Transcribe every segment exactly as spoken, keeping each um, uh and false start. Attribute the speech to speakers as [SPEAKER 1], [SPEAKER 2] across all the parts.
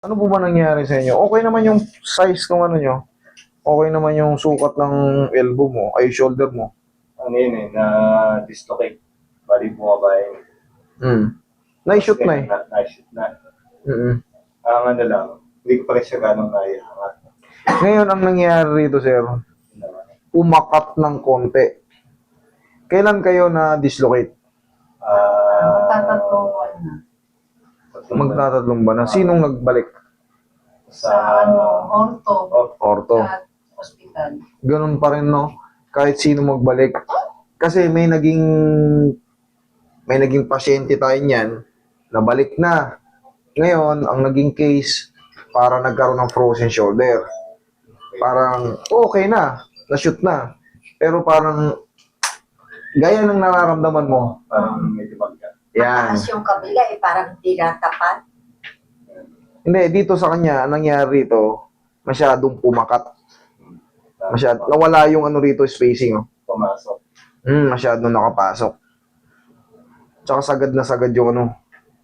[SPEAKER 1] Ano po ba nangyari sa inyo? Okay naman yung size ng ano nyo. Okay naman yung sukat ng elbow mo, ay shoulder mo.
[SPEAKER 2] Ano yun eh, na-dislocate. Bali bumaba yun.
[SPEAKER 1] Hmm. Na-shoot na eh.
[SPEAKER 2] Na- Na-shoot na.
[SPEAKER 1] Mm-mm.
[SPEAKER 2] Ang ano lang, hindi ko pa rin siya ganong kaya.
[SPEAKER 1] Ngayon, ang nangyari rito, sir, umakat ng konti. Kailan kayo na-dislocate?
[SPEAKER 2] Ah,
[SPEAKER 3] Magtatatlong buwan na.
[SPEAKER 1] Magtatatlong ba na? Sinong nagbalik?
[SPEAKER 3] Sa ano, orto.
[SPEAKER 1] Orto.
[SPEAKER 3] Sa hospital.
[SPEAKER 1] Ganun pa rin, no? Kahit sino magbalik. Kasi may naging may naging pasyente tayo niyan, nabalik na. Ngayon, ang naging case, para nagkaroon ng frozen shoulder. Parang, okay na, na-shoot na. Pero parang, gaya ng nararamdaman mo.
[SPEAKER 2] Parang medyo magka.
[SPEAKER 1] Yan.
[SPEAKER 4] Mataas yung kabila eh, parang hindi natapat.
[SPEAKER 1] Hindi, dito sa kanya, ang nangyari rito, masyadong pumakat. Masyad, nawala yung ano rito, spacing. Oh.
[SPEAKER 2] Pumasok.
[SPEAKER 1] Hmm, masyadong nakapasok. Tsaka sagad na sagad yung ano.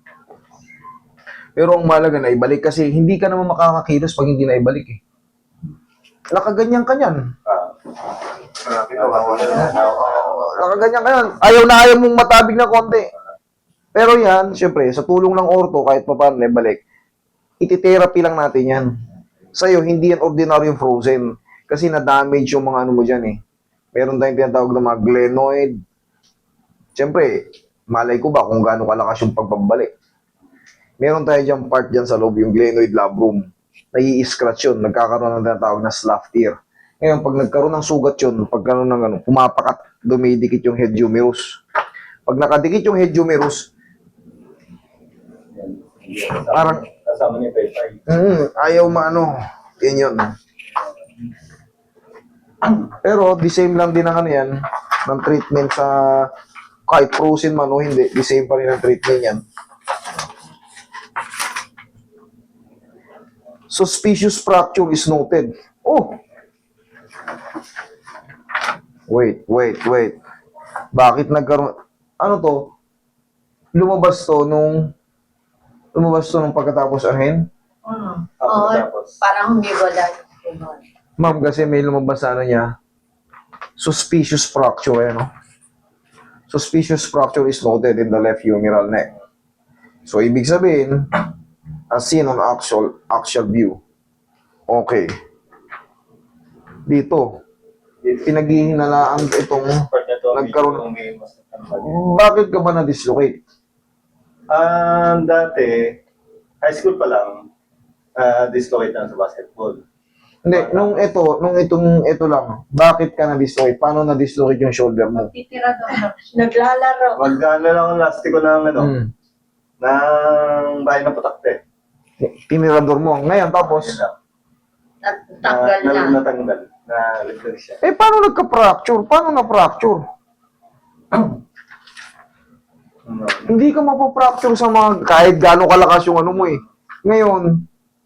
[SPEAKER 1] Pero ang malaga na ibalik kasi hindi ka naman makakakilos pag hindi na ibalik eh. Nakaganyan ka niyan.
[SPEAKER 2] Ah. Marami na wala na.
[SPEAKER 1] Nakaganyan ka yan. Ayaw na ayaw mong matabig na konti. Pero yan, syempre, sa tulong ng orto, kahit pa paano na ibalik, iti-therapy lang natin yan. Sa'yo, hindi yan ordinaryong frozen. Kasi na-damage yung mga ano mo dyan eh. Meron tayong tinatawag na mga glenoid. Siyempre, malay ko ba kung gaano kalakas yung pagbabalik. Meron tayo dyan part dyan sa loob, yung glenoid labrum. Nai-scratch yun, nagkakaroon ng tinatawag na slough tear. Ngayon, pag nagkaroon ng sugat yun, pag gano'n ng ano, pumapakat, dumidikit yung head humerus. Pag nakadikit yung head humerus, parang,
[SPEAKER 2] Kasama ni Pepay.
[SPEAKER 1] mm, ayaw maano, yun yun. Pero, the same lang din ang ano yan, ng treatment sa, kahit frozen man o hindi, the same pa rin ang treatment yan. Suspicious fracture is noted. Oh! Wait, wait, wait. Bakit nagkaroon... Ano to? Lumabas to nung... Lumabas to nung pagkatapos ahin?
[SPEAKER 4] Mm.
[SPEAKER 2] Ako
[SPEAKER 4] Oo,
[SPEAKER 2] tapos.
[SPEAKER 4] parang humiwalay. Ganun.
[SPEAKER 1] Ma'am, kasi may lumabas sa ano niya. Suspicious fracture, eh, no? Suspicious fracture is noted in the left humeral neck. So, ibig sabihin, as seen on actual, actual view. Okay. Dito, pinaghihinalaan itong
[SPEAKER 2] Part na to,
[SPEAKER 1] nagkaroon-
[SPEAKER 2] medyo may mas natambal.
[SPEAKER 1] bakit ka ba na-dislocate?
[SPEAKER 2] Ah, dati, high school pa lang, ah, dislocate lang sa basketball.
[SPEAKER 1] Hindi, nung ito, nung itong ito lang, bakit ka na-dislocate? Paano na-dislocate yung shoulder mo?
[SPEAKER 3] Titira daw na.
[SPEAKER 4] Naglalaro.
[SPEAKER 2] Mag-ano lang ang lastiko ng ano,
[SPEAKER 1] Hmm.
[SPEAKER 2] ng bahay ng putakte.
[SPEAKER 1] Tinirador mo. Ngayon, tapos,
[SPEAKER 2] Yun lang.
[SPEAKER 4] Natanggal
[SPEAKER 2] na,
[SPEAKER 4] na.
[SPEAKER 2] na, natanggal. Na ligtas siya.
[SPEAKER 1] eh, paano nagka-fracture? Paano na-fracture?
[SPEAKER 2] No.
[SPEAKER 1] Hindi ka mapapracture sa mga, kahit gano'ng kalakas yung ano mo eh. Ngayon,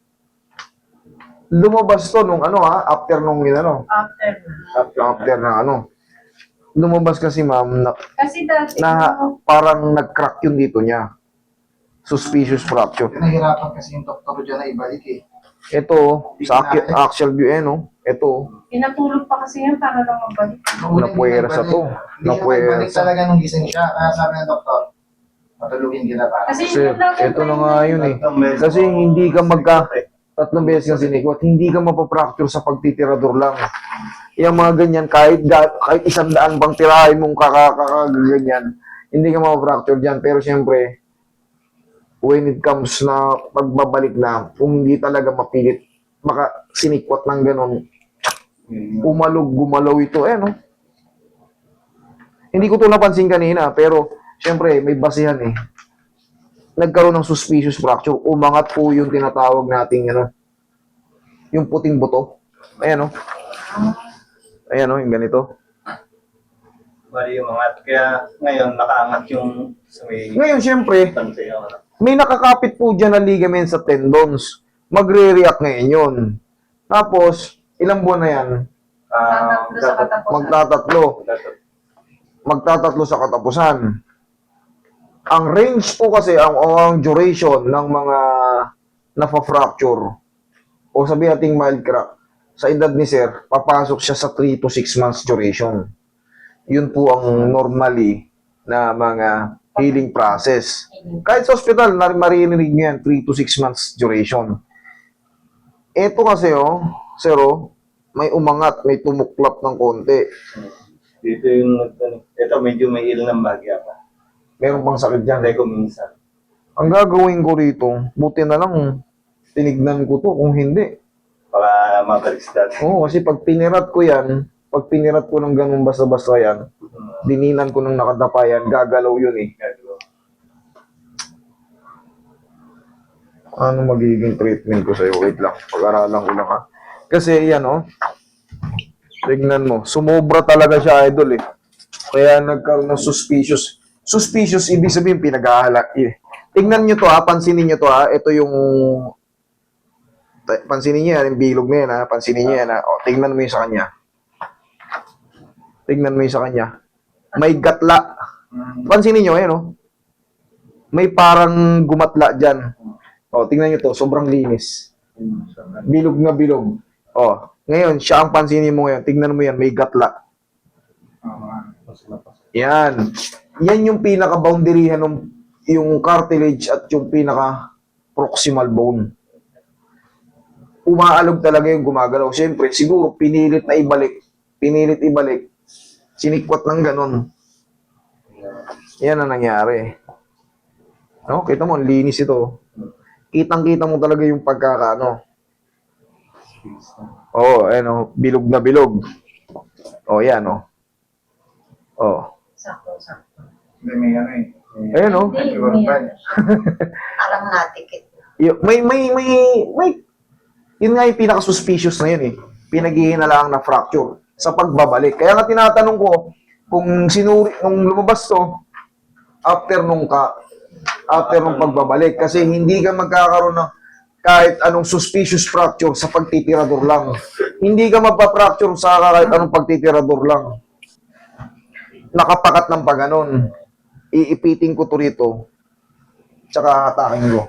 [SPEAKER 1] lumabas to nung ano ha, after nung yun ano,
[SPEAKER 3] After na.
[SPEAKER 1] after na ano. Lumabas kasi ma'am, na,
[SPEAKER 3] Kasi dati,
[SPEAKER 1] na
[SPEAKER 3] no,
[SPEAKER 1] parang nag-crack yung dito niya. Suspicious fracture.
[SPEAKER 5] Nahirapan kasi yung doktor dyan na ibalik eh.
[SPEAKER 1] Ito, sa acu- actual view eh, no? Ito,
[SPEAKER 3] pinatulog pa kasi yan para lang mabalik.
[SPEAKER 1] Napuwersa to.
[SPEAKER 5] Hindi siya
[SPEAKER 1] Napuwersa.
[SPEAKER 5] nagbalik talaga nung gising siya. Kaya sabi ng doktor, patulugin kita para.
[SPEAKER 3] Kasi
[SPEAKER 1] sir,
[SPEAKER 3] yun lang yung
[SPEAKER 1] ito na nga yun eh.
[SPEAKER 2] Tatlong beses
[SPEAKER 1] Kasi
[SPEAKER 2] ko-
[SPEAKER 1] hindi ka magka, tatlong beses kang sinikwat, hindi ka mapapracture sa pagtitirador lang. Yung mga ganyan, kahit, ga- kahit isang daan bang tirahin mong kakakaganyan, hindi ka mapapracture dyan. Pero siyempre, when it comes na pagbabalik na, kung hindi talaga mapilit, maka sinikwat ng ganon, umalog, gumalaw ito, eh, no? Hindi ko ito napansin kanina, pero, siyempre, may basihan eh. Nagkaroon ng suspicious fracture, umangat po yung tinatawag nating, ano, yung puting buto. Ayan, no? Ayan, no, yung ganito.
[SPEAKER 2] Bali yung mga, kaya ngayon nakaangat yung sa may
[SPEAKER 1] Ngayon, siyempre,
[SPEAKER 2] tanse yung ano.
[SPEAKER 1] may nakakapit po dyan na ligament sa tendons. Magre-react ngayon yun. Tapos, ilang buwan na yan?
[SPEAKER 2] Ah,
[SPEAKER 3] Tatatlo sa katapusan.
[SPEAKER 1] Magtatatlo.
[SPEAKER 2] dapat-
[SPEAKER 1] Magtatatlo sa katapusan. Ang range po kasi, ang, o ang duration ng mga na-fracture, o sabihin nating mild crack, sa edad ni sir, papasok siya sa three to six months duration. Yun po ang normally na mga healing process. Kahit sa hospital, nar- maririnig nyo yan, three to six months duration. Ito kasi, oh, sir, oh, may umangat, may tumuklap ng konti.
[SPEAKER 2] Dito yung, ito medyo may ilang ng bagya pa.
[SPEAKER 1] Meron pang sakit dyan.
[SPEAKER 2] Hindi ko minsan.
[SPEAKER 1] Ang gagawin ko rito, buti na lang, tinignan ko to, kung hindi.
[SPEAKER 2] Para mabalik sa dati.
[SPEAKER 1] Oo, kasi pag pinirat ko yan, pag pinirat ko ng ganun basta-basta yan, dininan ko ng nakadapa yan, gagalaw yun eh.
[SPEAKER 2] Gagawa.
[SPEAKER 1] Ano magiging treatment ko sa'yo? Wait lang, pag-aralan ko lang ha. Kasi yan oh, tignan mo, sumobra talaga siya idol eh. Kaya nagkaroon ng suspicious. Suspicious, ibig sabihin pinag-ahalak eh. Tignan nyo to ha, pansinin nyo to ha, ito yung pansinin niyo yan, yung bilog na yan ha, pansinin niyo yan ha. O, tignan mo yung sa kanya. Tignan mo yung sa kanya. May gatla. Pansinin niyo, ayan o. May parang gumatla dyan. O, tignan niyo to, sobrang linis. Bilog na bilog. O, ngayon, siya ang pansinin mo ngayon. Tignan mo yan, may gatla. Yan. Yan yung pinaka-boundaryhan ng yung cartilage at yung pinaka-proximal bone. Umaalog talaga yung gumagalaw. Siyempre, siguro, pinilit na ibalik. Pinilit ibalik. Sinikwat ng ganun. Yan ang nangyari. No? Kita mo, ang linis ito. Kitang-kita mo talaga yung pagkakaano. Oo, oh, ano, bilog na bilog. Oh, yan, oh. Oh.
[SPEAKER 3] Sakto, sakto.
[SPEAKER 5] Hindi, may ano eh. May-
[SPEAKER 1] Ayan, oh.
[SPEAKER 3] Hindi,
[SPEAKER 5] Siguro
[SPEAKER 3] may
[SPEAKER 5] pa.
[SPEAKER 3] ano.
[SPEAKER 4] Parang natikit.
[SPEAKER 1] Y- May, may, may, may, yun nga yung pinaka-suspicious na yun eh. Pinaghihinalaan na fracture sa pagbabalik. Kaya nga tinatanong ko, kung sinuri, nung lumabas to, after nung ka, after nung pagbabalik, kasi hindi ka magkakaroon ng kahit anong suspicious fracture sa pagtitirador lang. Hindi ka magpa-fracture sa kahit anong pagtitirador lang. Nakapakat ng paganon. Iipiting ko to rito. Tsaka hatakin ko.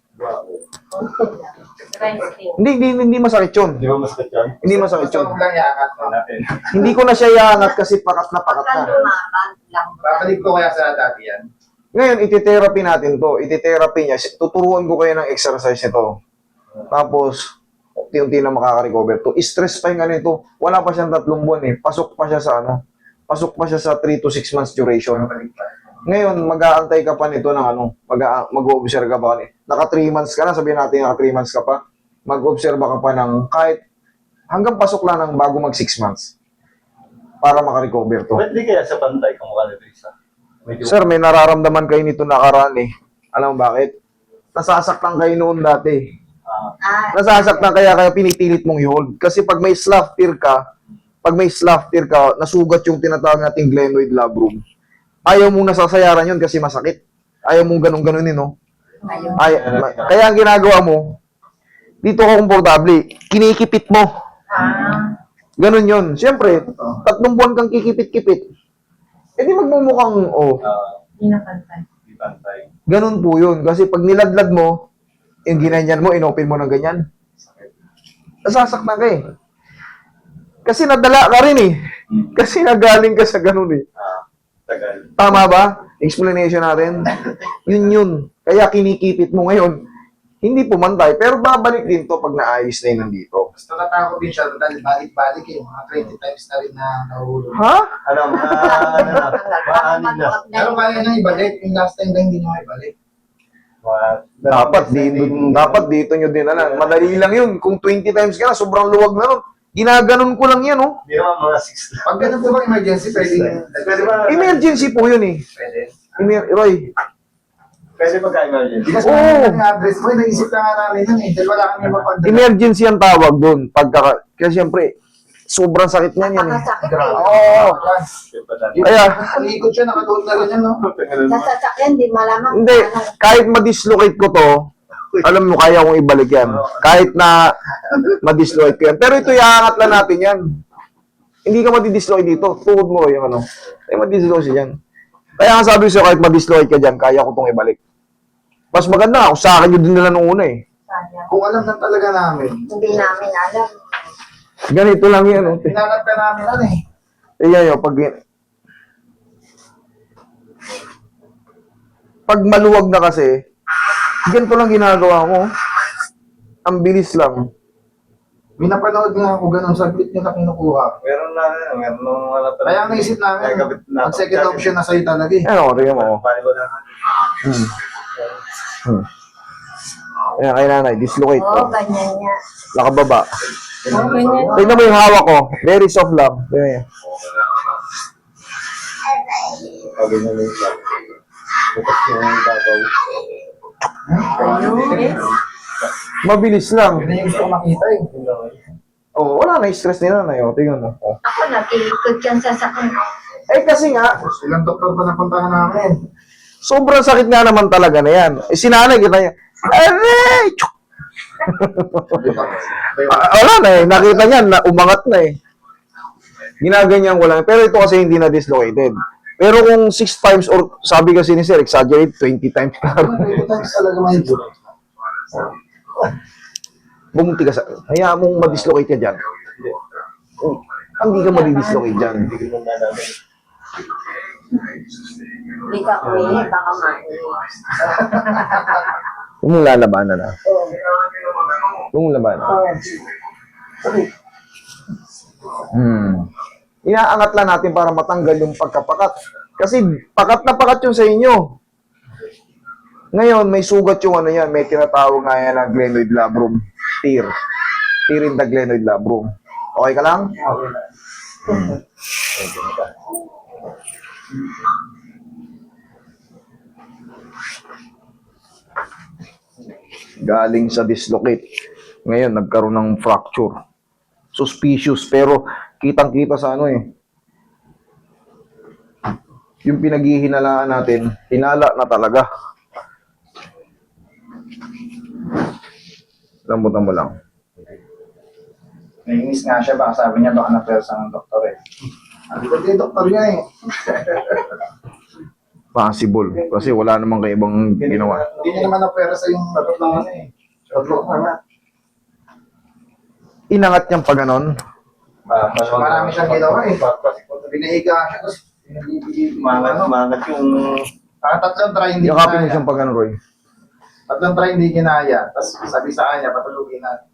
[SPEAKER 3] Dry skin.
[SPEAKER 1] Hindi, hindi, hindi masakit yun.
[SPEAKER 2] Di ba mas katyan?
[SPEAKER 1] Hindi masakit
[SPEAKER 5] Gusto
[SPEAKER 1] yun.
[SPEAKER 5] ko lang iaangat mo.
[SPEAKER 2] Natin.
[SPEAKER 1] Hindi ko na siya iangat kasi pakat na pakat
[SPEAKER 4] Pagka
[SPEAKER 1] na.
[SPEAKER 4] lumaban lang.
[SPEAKER 5] Babalik ko kaya sa dati yan.
[SPEAKER 1] Ngayon, ititherapy natin to. Ititherapy niya. Tuturuan ko kayo ng exercise nito. Tapos, unti-unti na makaka-recover to. Stress pa yung ano ito. Wala pa siyang tatlong buwan eh. Pasok pa siya sa ano. Pasok pa siya sa three to six months duration.
[SPEAKER 5] Babalik pa.
[SPEAKER 1] Ngayon, mag-aantay ka pa nito ng ano. Mag- mag-observe ka pa. Naka three months ka na. Sabihin natin naka three months ka pa. Mag-observe ka pa ng kahit hanggang pasok lang ng bago mag six months. Para makarecover to.
[SPEAKER 2] Ba't di kaya sa pantay kamukha ni Teresa? Medyo
[SPEAKER 1] Sir, may nararamdaman kayo nito nakaraan eh. Alam mo bakit? Nasasaktan kayo noon dati.
[SPEAKER 2] ah,
[SPEAKER 4] Ah,
[SPEAKER 1] Nasasaktan kaya kaya pinipilit mong i-hold. Kasi pag may slough tear ka, pag may slough tear ka, nasugat yung tinatawag nating glenoid labrum. Ayaw mong nasasayaran yun kasi masakit. Ayaw mong ganun-ganunin, no?
[SPEAKER 4] ayun.
[SPEAKER 1] Ay, ma- kaya ang ginagawa mo, dito ka komportable, kinikipit mo.
[SPEAKER 3] Ah,
[SPEAKER 1] Ganun yun. Siyempre, tatlong buwan kang kikipit-kipit. E di magmumukhang, oh,
[SPEAKER 2] ah,
[SPEAKER 3] hindi nakantay.
[SPEAKER 2] di pantay.
[SPEAKER 1] ganun po yun. Kasi pag niladlad mo, yung ginanyan mo, inopen mo ng ganyan. Nasasaktan ka eh. Kasi nadala ka rin eh.
[SPEAKER 2] Hmm.
[SPEAKER 1] Kasi nagaling ka sa ganun eh.
[SPEAKER 2] Ah, tagal.
[SPEAKER 1] Tama ba? Explanation natin. Yun yun. Kaya kinikipit mo ngayon. Hindi pumantay. Pero babalik din to pag naayos na yun nandito.
[SPEAKER 5] Basta natatakot din siya dahil balik-balik eh. Mga twenty times na rin na nahulog.
[SPEAKER 1] Ha?
[SPEAKER 2] Ano, mga, ano na, mga anin na.
[SPEAKER 5] Pero kaya nang ibalik. Yung last time lang hindi nyo ibalik.
[SPEAKER 2] Mga,
[SPEAKER 1] Dapat dito, dapat dito nyo din alam. Madali lang yun. Kung twenty times ka na, sobrang luwag na nun. Ginaganon ko lang yan, oh.
[SPEAKER 2] Di naman mga six lang.
[SPEAKER 5] Pag ganun po bang emergency, pwede
[SPEAKER 2] Pwede ba?
[SPEAKER 1] Emergency po yun eh.
[SPEAKER 5] Pwede.
[SPEAKER 1] Emer- Roy,
[SPEAKER 2] Pwede magka-emergency.
[SPEAKER 5] Kasi
[SPEAKER 1] Oo.
[SPEAKER 5] oh. ang address mo, naisip na nga namin yun eh. Dahil wala kami mapagdala.
[SPEAKER 1] emergency ang tawag doon. Pagka, kasi siyempre, sobrang sakit niyan yan eh.
[SPEAKER 4] Nakasakit eh.
[SPEAKER 1] Oo. Kaya,
[SPEAKER 5] Nalikot siya, nakatuot na ganyan, no?
[SPEAKER 4] Sa sasakyan, di malaman.
[SPEAKER 1] hindi, kahit ma-dislocate ko to, alam mo, kaya kong ibalik yan. Kahit na ma-dislocate ko yan. Pero ito, iangat lang natin yan. Hindi ka madi-dislocate dito. Tuhod mo yung ano. Ay, madi-dislocate yan. Kaya nga sabi ko sa'yo, kahit ma-dislocate ka dyan, kaya ko itong ibalik. Mas maganda, kung sa akin yun din nila nung una eh.
[SPEAKER 3] Sayang.
[SPEAKER 5] Kung alam na talaga namin,
[SPEAKER 4] Hindi namin alam.
[SPEAKER 1] Ganito lang yan. Oh.
[SPEAKER 5] hinanap ka namin ano eh.
[SPEAKER 1] Tingnan nyo, pag... Pag maluwag na kasi, ganito lang ginagawa mo. Ang bilis lang.
[SPEAKER 5] May napanood nga ako ganun, saglit nyo na kinukuha.
[SPEAKER 2] Meron na, meron nung wala talaga.
[SPEAKER 5] Kaya ang naisip namin,
[SPEAKER 2] Nagkabit na-
[SPEAKER 5] ang second option na sa'yo talaga eh.
[SPEAKER 1] Ano, tingnan mo.
[SPEAKER 2] Paano ko na?
[SPEAKER 1] Hmm. Hmm. Ayan, kay nanay, dislocate
[SPEAKER 4] Oo,
[SPEAKER 1] ko.
[SPEAKER 4] ganyan niya.
[SPEAKER 1] Nakababa.
[SPEAKER 3] Oh, ganyan.
[SPEAKER 1] Tingnan mo yung hawak ko. Very soft lang. Tingnan nyo.
[SPEAKER 2] Pag ganyan yung isa. Bukas yung babaw.
[SPEAKER 3] Ayun.
[SPEAKER 1] Mabilis lang.
[SPEAKER 5] Yun na yung gusto ko makita eh.
[SPEAKER 1] Oh, wala na stress ni nanay. Oh, tingnan mo. Oh.
[SPEAKER 4] Ako, natilikod yan sa sakit.
[SPEAKER 1] Eh, kasi nga,
[SPEAKER 5] Ilang doktor pa napuntahan namin.
[SPEAKER 1] sobrang sakit nga naman talaga na yan. Eh, si nanay, kita niya. Aray! Tsuk! Ah, wala na eh. Nakita niya, na, umangat na eh. Ginaganyan ko lang. Pero ito kasi hindi na dislocated. Pero kung six times or sabi kasi ni Sir, exaggerate, twenty times ka.
[SPEAKER 5] Ito times talaga may duro.
[SPEAKER 1] Bumuti ka sa... Hayaan mong madislocate ka dyan. Oh, hindi ka madidislocate dyan.
[SPEAKER 2] Hindi ko na namin.
[SPEAKER 4] Hindi ka uwi, baka mauwi.
[SPEAKER 1] Huwag mong lalabanan na. Huwag mong labanan. Hmm. Inaangat lang natin para matanggal yung pagkapakat. Kasi pakat na pakat yun sa inyo. Ngayon, may sugat yung ano yan. May tinatawag nga yan na glenoid labrum. Tear. Tear in the glenoid labrum. Okay ka lang? Hmm. Galing sa dislocate. Ngayon, nagkaroon ng fracture. Suspicious, pero kitang-kita sa ano eh. Yung pinaghihinalaan natin, hinala na talaga. Lambutan mo lang.
[SPEAKER 5] Naiinis nga siya, baka sabi niya baka na-persa ng doktor eh. Sabi ko, di doktor niya eh.
[SPEAKER 1] Possible. Kasi wala namang kaibang ginawa.
[SPEAKER 5] Hindi niya naman na-persa yung tatlong ano eh. Tatlong ano.
[SPEAKER 1] Inangat niyang pa ganon.
[SPEAKER 2] Ah,
[SPEAKER 5] Marami siyang ginawa eh. Binahiga siya, tapos binibigay.
[SPEAKER 2] Mangat, mangat yung...
[SPEAKER 5] Ah, tatlong try hindi
[SPEAKER 1] Yakapin mo
[SPEAKER 5] kinaya.
[SPEAKER 1] siyang pa ganon, Roy.
[SPEAKER 5] Tatlong try hindi kinaya. Tapos sabi sa kanya, patulugin natin.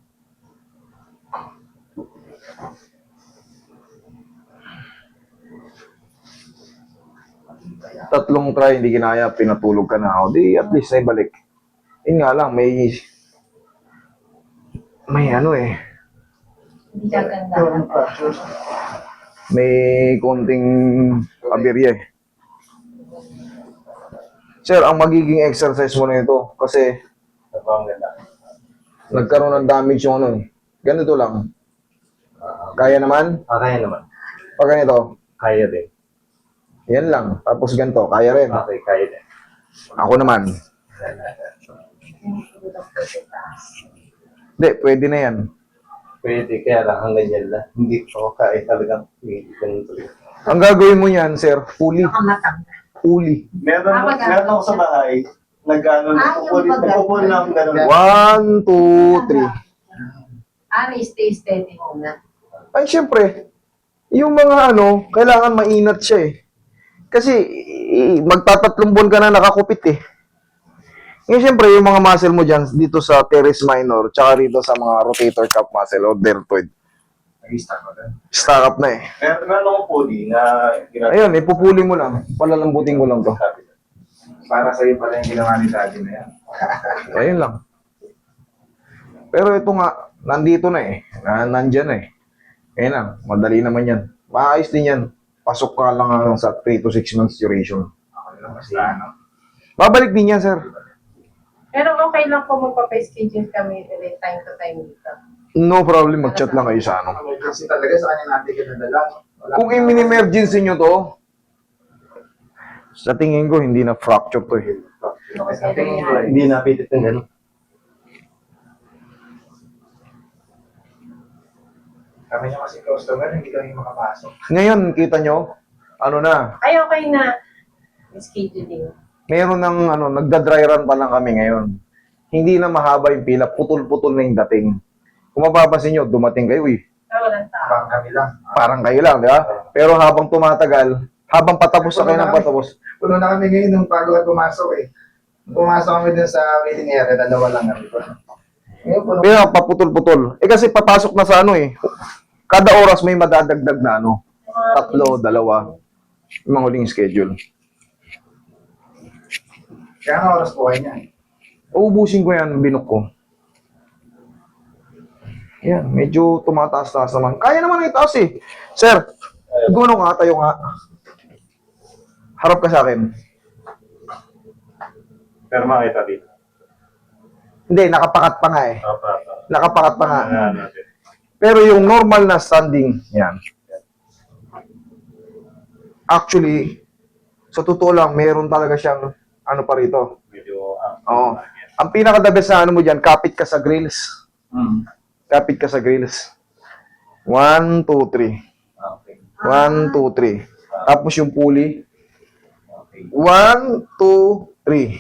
[SPEAKER 1] Tatlong try, hindi ginaya, pinatulog ka na. O di, at least ay balik. Yun nga lang, may... May ano eh.
[SPEAKER 3] Hindi ka ganda.
[SPEAKER 1] May konting aberya eh. Sir, ang magiging exercise mo na ito, kasi
[SPEAKER 2] Ang ganda.
[SPEAKER 1] nagkaroon ng damage yung ano eh. Ganito lang. Kaya naman?
[SPEAKER 2] Ah, kaya naman.
[SPEAKER 1] Pag ganito,
[SPEAKER 2] Kaya din.
[SPEAKER 1] yan lang. Tapos ganito, kaya rin.
[SPEAKER 2] Okay, kaya din.
[SPEAKER 1] Ako naman. Hindi, pwede na yan.
[SPEAKER 2] Pwede, kaya lang hanggang yan lang. Hindi ko kaya talagang hindi ganun talaga.
[SPEAKER 1] Ang gagawin mo yan, sir, puli.
[SPEAKER 4] Baka matanggal.
[SPEAKER 1] Puli.
[SPEAKER 2] Meron,
[SPEAKER 3] Ah, mag-
[SPEAKER 2] meron ako sa bahay. Nag-ano,
[SPEAKER 4] Ah, yung
[SPEAKER 2] nagpupuli,
[SPEAKER 4] pag-
[SPEAKER 2] nagpupuli lang ganun.
[SPEAKER 1] One, two, three.
[SPEAKER 3] Ah, may stay steady muna.
[SPEAKER 1] Ay, syempre, yung mga ano, kailangan mainat siya eh. Kasi, i- magtatatlong buwan ka na nakakupit eh. Ngayon, syempre, yung mga muscle mo dyan, dito sa teres minor, tsaka rito sa mga rotator cuff muscle o deltoid,
[SPEAKER 5] Nag-start ko din.
[SPEAKER 1] stack up na eh.
[SPEAKER 2] Meron, meron akong puli na ginagawa.
[SPEAKER 1] Ayun, ipupuli mo lang. Palalambutin ko lang to.
[SPEAKER 5] Para sa'yo pala yung ginawa ni Daddy na yan.
[SPEAKER 1] Ayun lang. Pero ito nga, nandito na eh. Na, nandyan na eh. Ayun lang, madali naman yan. Maayos din yan. Pasok ka lang ah, sa three to six months duration.
[SPEAKER 5] Ako lang basta ano.
[SPEAKER 1] Babalik din yan, sir.
[SPEAKER 3] Pero okay lang po magpa-schedule kami ulit time to time dito.
[SPEAKER 1] No problem, mag-chat lang kayo sa ano.
[SPEAKER 5] Kasi talaga sa kanya natin kinadala. Wala.
[SPEAKER 1] Kung i-emergency nyo to, sa tingin ko, hindi na fracture to eh.
[SPEAKER 5] Sa tingin ko eh.
[SPEAKER 2] Hindi napitit ng ganun.
[SPEAKER 5] Kami niya kasi customer, hindi kami makapasok.
[SPEAKER 1] Ngayon, kita nyo, ano na,
[SPEAKER 3] Ay, okay na. Scheduling.
[SPEAKER 1] meron ng ano, nagda-dry run pa lang kami ngayon. hindi na mahaba yung pila, putol-putol na yung dating. Kung mapapansin nyo, dumating kayo, eh,
[SPEAKER 3] Ah, walang tao.
[SPEAKER 5] Parang kami lang.
[SPEAKER 1] parang kayo lang, di ba? Pero habang tumatagal, habang patapos na kayo ng patapos,
[SPEAKER 5] Puno na kami ngayon nung bago ka pumasok eh. Nung pumasok kami dun sa waiting area, dalawa lang kami. Ngayon, puno.
[SPEAKER 1] kaya paputol-putol. Eh kasi papasok na sa ano eh, kada oras may madadagdag na ano, tatlo, dalawa, yung mga huling schedule.
[SPEAKER 5] Kaya nga oras po kayo niya.
[SPEAKER 1] Uubusin ko yan, binok ko. Yan, medyo tumataas-taas naman. Kaya naman itaas eh. Sir, guno nga, tayo nga. Harap ka sa akin.
[SPEAKER 2] Pero makita dito.
[SPEAKER 1] Hindi, nakapakat pa nga eh.
[SPEAKER 2] Opo, opo.
[SPEAKER 1] Nakapakat pa nga.
[SPEAKER 2] Ayan, natin.
[SPEAKER 1] Pero yung normal na standing, yan. Actually, sa totoo lang, meron talaga siyang ano pa rito.
[SPEAKER 2] Medyo, ah,
[SPEAKER 1] Oo. Ang pinaka-the best na ano mo dyan, kapit ka sa grills.
[SPEAKER 2] Hmm.
[SPEAKER 1] Kapit ka sa grills. One, two, three.
[SPEAKER 2] Okay.
[SPEAKER 1] One, two, three. Tapos yung pulley.
[SPEAKER 2] Okay.
[SPEAKER 1] One, two, three.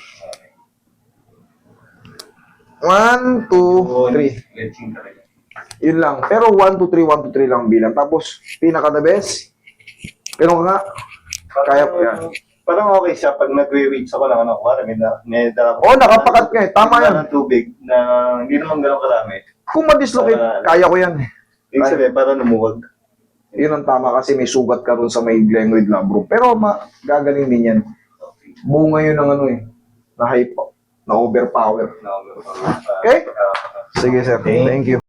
[SPEAKER 1] One, two, three.
[SPEAKER 2] Stretching talaga.
[SPEAKER 1] Yun lang. Pero one, two, three, one, two, three lang bilang. Tapos, pinaka-the best. Pero nga, kaya po yan.
[SPEAKER 2] Parang okay siya pag nagwe-reach ako ng ano, kuwari, may, na- may dala
[SPEAKER 1] Oo, nakapakat ka eh. Tama
[SPEAKER 2] May
[SPEAKER 1] yan.
[SPEAKER 2] dala ng tubig na hindi naman gano'ng karami.
[SPEAKER 1] Kung ma-dislocate, kaya ko yan.
[SPEAKER 2] Ibig sabihin, para lumuwag.
[SPEAKER 1] Yun ang tama kasi may sugat ka ron sa may glenoid labrum. Pero ma gagaling din yan. Bunga yun ng ano eh. Na hype, na overpower.
[SPEAKER 2] No,
[SPEAKER 1] Okay? Sige sir, thank you.